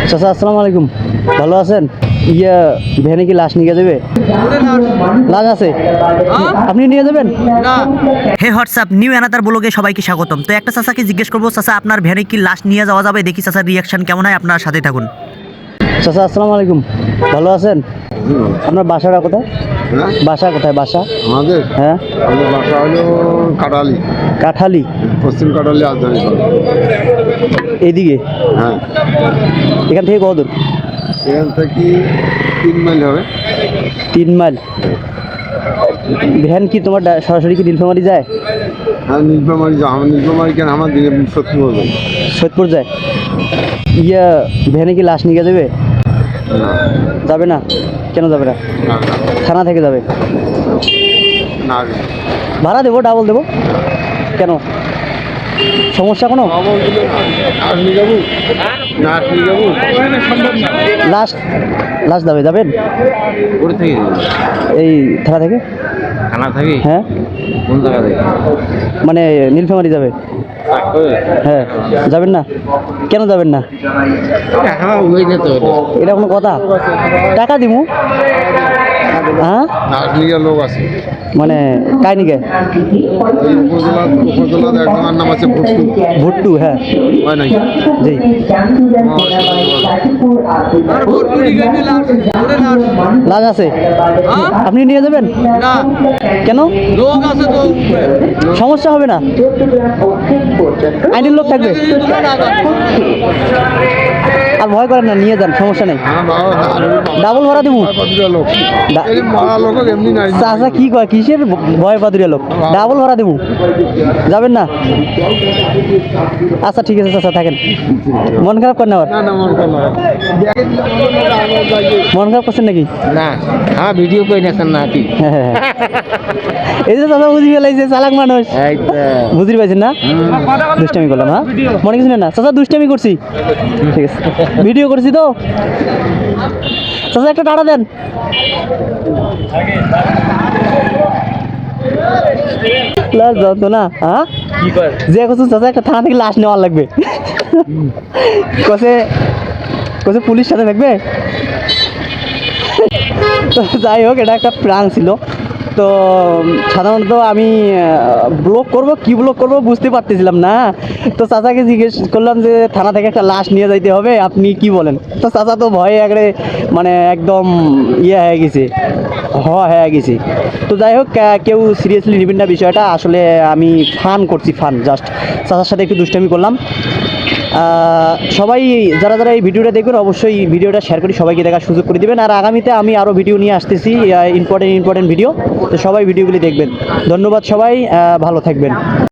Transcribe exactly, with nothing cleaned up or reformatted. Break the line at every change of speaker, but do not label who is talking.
চাচা আসসালামু আলাইকুম, ভালো আছেন? ইয়া ভ্যানে কি লাশ নিয়ে যাবে? লাশ আছে, আপনি নিয়ে যাবেন?
হে হোয়াটসঅ্যাপ নিউ অ্যানাদার ব্লগে সবাইকে স্বাগতম। তো একটা চাচাকে জিজ্ঞেস করবো, চাচা আপনার ভ্যানে কি লাশ নিয়ে যাওয়া যাবে? দেখি চাচার রিয়াকশন কেমন হয়, আপনার সাথে থাকুন।
চাচা আসসালামু আলাইকুম, ভালো আছেন? আপনার বাসাটা কোথায়? বাসা কোথায় বাসা?
আমাদের
হ্যাঁ,
আমাদের বাসা হলো কাটালি,
কাঠালি,
পশ্চিম কাটালি রাজধানী শহর।
এইদিকে।
হ্যাঁ,
এখান থেকে কত দূর?
এখান থেকে তিন মাইল হবে।
তিন মাইল। ভ্যান কি তোমার ডা- সরাসরি কি নীলফামারী যায়?
হ্যাঁ, নীলফামারী যাও। আমার নীলফামারী কেন, আমার দিকে সত্যি বলবো
সৈয়দপুর যায়। ইয়া ভ্যানে কি লাশ নিয়ে যাবে?
না,
যাবে না? কেন যাবে না?
না, না,
থানা থেকে যাবে।
না।
ভাড়া দেবো, ডাবল দেবো। কেন, সমস্যা কোনো?
খবর দিলে নার্স নিয়ে যাবো, নার্স নিয়ে যাবো।
লাশ লাশ যাবে, যাবেন?
কোথা থেকে?
এই থানা থেকে।
থানা থেকে?
হ্যাঁ,
কোন জায়গা থেকে?
মানে নীলফামারী যাবে। হ্যাঁ, যাবেন না? কেন যাবেন না?
হ্যাঁ, ওই না তো।
এটা কোনো কথা? টাকা দিমু। হ্যাঁ,
নার্স নিয়ে যাওয়ার লোক আছে।
মানে কাই নিকে?
ওই উপজেলা উপজেলার একজনের নাম আছে ভুট্টু।
ভুট্টু, হ্যাঁ
হয় নাকি?
জি। লাশ আছে, আপনি নিয়ে যাবেন?
না,
কেন?
লোক আছে তো।
সমস্যা হবে না? আইনের লোক থাকবে। আর ভয় করেন না, নিয়ে যান, সমস্যা নেই।
হ্যাঁ বাবা,
ডাবল ভাড়া দেবো।
পাতুরিয়া লোক।
ডা-
এই মরা লোক এমনি নাই।
চাচা কি কয়, কিসের ভয় পাদুরিয়া লোক? ডাবল ভাড়া দেবো, যাবেন না? আচ্ছা ঠিক আছে চাচা, থাকেন। মন খারাপ করেন আবার?
না না, মন খারাপ না।
মন খারাপ করছেন নাকি?
না, হ্যাঁ ভিডিও করে নেছেন না কি?
হ্যাঁ, এই যে চাচা বুঝি ফেলাইছে, চালাক মানুষ।
এই তো।
বুঝতে পারছেন না? দুষ্টামি করলাম, হ্যাঁ মনে কিছু নেই না চাচা, দুষ্টামি করছি। ঠিক আছে, ভিডিও করছি তো। চাচা একটা টাটা দেন। লাশ যত না, হ্যাঁ
কি কর?
যে করছো চাচা, একটা থানা থেকে লাশ নেওয়ার লাগবে। কসে কসে পুলিশ সাথে থাকবে। তো যাই হোক, এটা একটা প্রাণ ছিল। তো সাধারণত আমি ব্লগ করব কি ব্লগ করব বুঝতে পারতেছিলাম না। তো চাচাকে জিজ্ঞেস করলাম যে থানা থেকে একটা লাশ নিয়ে যাইতে হবে, আপনি কি বলেন? তো চাচা তো ভয়ে একবারে মানে একদম ইয়ে হয়ে গেছে, হ হয়ে গেছে। তো যাই হোক, আহ, কেউ সিরিয়াসলি নেবেন না বিষয়টা, আসলে আমি ফান করছি, ফান জাস্ট চাচার সাথে একটু দুষ্টামি করলাম। আহ, সবাই যারা যারা এই ভিডিওটা দেখবেন অবশ্যই ভিডিওটা শেয়ার করে সবাইকে দেখার সুযোগ করে দিবেন। আর আগামীতে আমি আরও ভিডিও নিয়ে আসতেছি, ইম্পর্টেন্ট ইম্পর্টেন্ট ভিডিও। তো সবাই ভিডিওগুলি দেখবেন। ধন্যবাদ সবাই, আহ, ভালো থাকবেন।